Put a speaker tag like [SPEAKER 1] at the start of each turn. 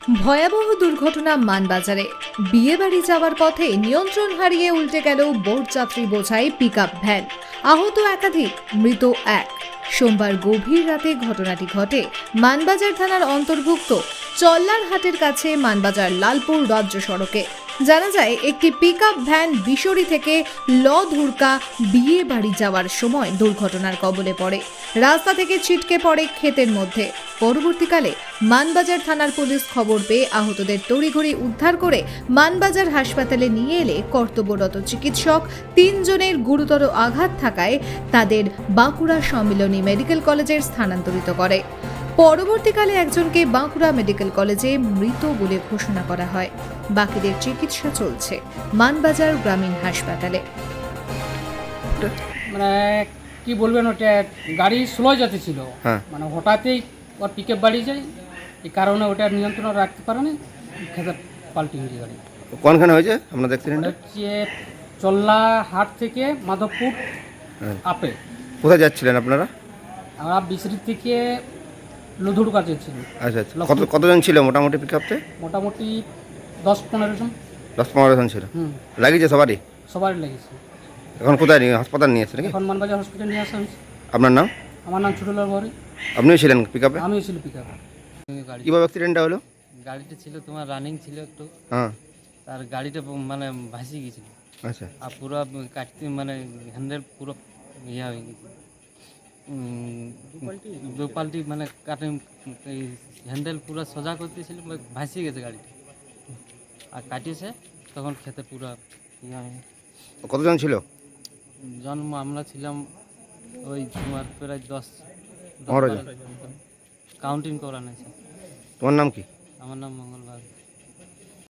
[SPEAKER 1] ভয়াবহ দুর্ঘটনা মানবাজারে। বিয়ে বাড়ি যাওয়ার পথে নিয়ন্ত্রণ হারিয়ে উল্টে গেল বরযাত্রী বোঝাই পিকআপ ভ্যান। আহত একাধিক, মৃত এক। সোমবার গভীর রাতে ঘটনাটি ঘটে মানবাজার থানার অন্তর্ভুক্ত চল্লারহাটের কাছে মানবাজার লালপুর রাজ্য সড়কে। জানা যায়, একটি পিকআপ ভ্যান বিশরি থেকে ধুরকা বিয়ে বাড়ি যাওয়ার সময় দুর্ঘটনার কবলে পড়ে। রাস্তা থেকে ছিটকে পড়ে ক্ষেতের মধ্যে। পরবর্তীকালে মানবাজার থানার পুলিশ খবর পেয়ে আহতদের তড়িঘড়ি উদ্ধার করে মানবাজার হাসপাতালে নিয়ে এলে কর্তব্যরত চিকিৎসক ৩ জনের গুরুতর আঘাত থাকায় তাদের বাঁকুড়া সম্মিলনী মেডিকেল কলেজে স্থানান্তরিত করে। পরবর্তীকালে একজনকে বাঁকুড়া মেডিকেল কলেজে মৃত বলে ঘোষণা করা হয়। বাকিদের চিকিৎসা চলছে মানবাজার গ্রামীণ হাসপাতালে।
[SPEAKER 2] মানে কি বলবেন, ওটা গাড়ি স্লো যাচ্ছিল, মানে হঠাৎই ওর পিকআপ বাড়ি যায়, এই কারণে ওটা নিয়ন্ত্রণ রাখতে পারেনি, খেতে পাল্টি হয়েছে গাড়ি।
[SPEAKER 3] কোনখানে হয়েছে আপনাদের অ্যাক্সিডেন্টটা?
[SPEAKER 2] হচ্ছে চল্লাহাট থেকে মাধবপুর আপে।
[SPEAKER 3] কোথায় যাচ্ছিলেন আপনারা?
[SPEAKER 2] আমরা বিশরি থেকে লুধুর কাছে ছিল।
[SPEAKER 3] আচ্ছা আচ্ছা, কতজন ছিল মোটামুটি পিকআপতে?
[SPEAKER 2] মোটামুটি 10-15 জন।
[SPEAKER 3] 10-15 জন ছিল। লাগিয়েছে সবারই?
[SPEAKER 2] সবারই লেগেছে।
[SPEAKER 3] এখন কোথায় নিয়ে হাসপাতাল নিয়ে আসছে নাকি?
[SPEAKER 2] এখন মানবাজার হসপিটাল নিয়ে আসা হয়েছে।
[SPEAKER 3] আপনার নাম?
[SPEAKER 2] আমার নাম ছোটলাল বড়ি।
[SPEAKER 3] আপনিও ছিলেন পিকআপে?
[SPEAKER 2] আমিও ছিল পিকআপে।
[SPEAKER 3] কীভাবে অ্যাক্সিডেন্টটা হলো?
[SPEAKER 4] গাড়িটা ছিল তোমার রানিং ছিল একটু,
[SPEAKER 3] হ্যাঁ।
[SPEAKER 4] তার গাড়িটা মানে ভাসি গেছিল।
[SPEAKER 3] আচ্ছা।
[SPEAKER 4] আর পুরো কাটতে মানে হ্যান্ডেল পুরো ইয়া হয়ে গেছে, দু পাল্টি মানে কাটে, এই হ্যান্ডেল পুরো সোজা করতেছিল, ভাসি গেছে গাড়িটা। আর কাটিয়েছে তখন খেতে পুরো ইয়া হয়ে গেছে।
[SPEAKER 3] কতজন ছিল?
[SPEAKER 4] জন্ম আমরা ছিলাম ওই তোমার প্রায় 10
[SPEAKER 3] 15 জন।
[SPEAKER 4] কাউন্টিং করা নেই।
[SPEAKER 3] তোমার নাম কি?
[SPEAKER 4] আমার নাম মঙ্গল।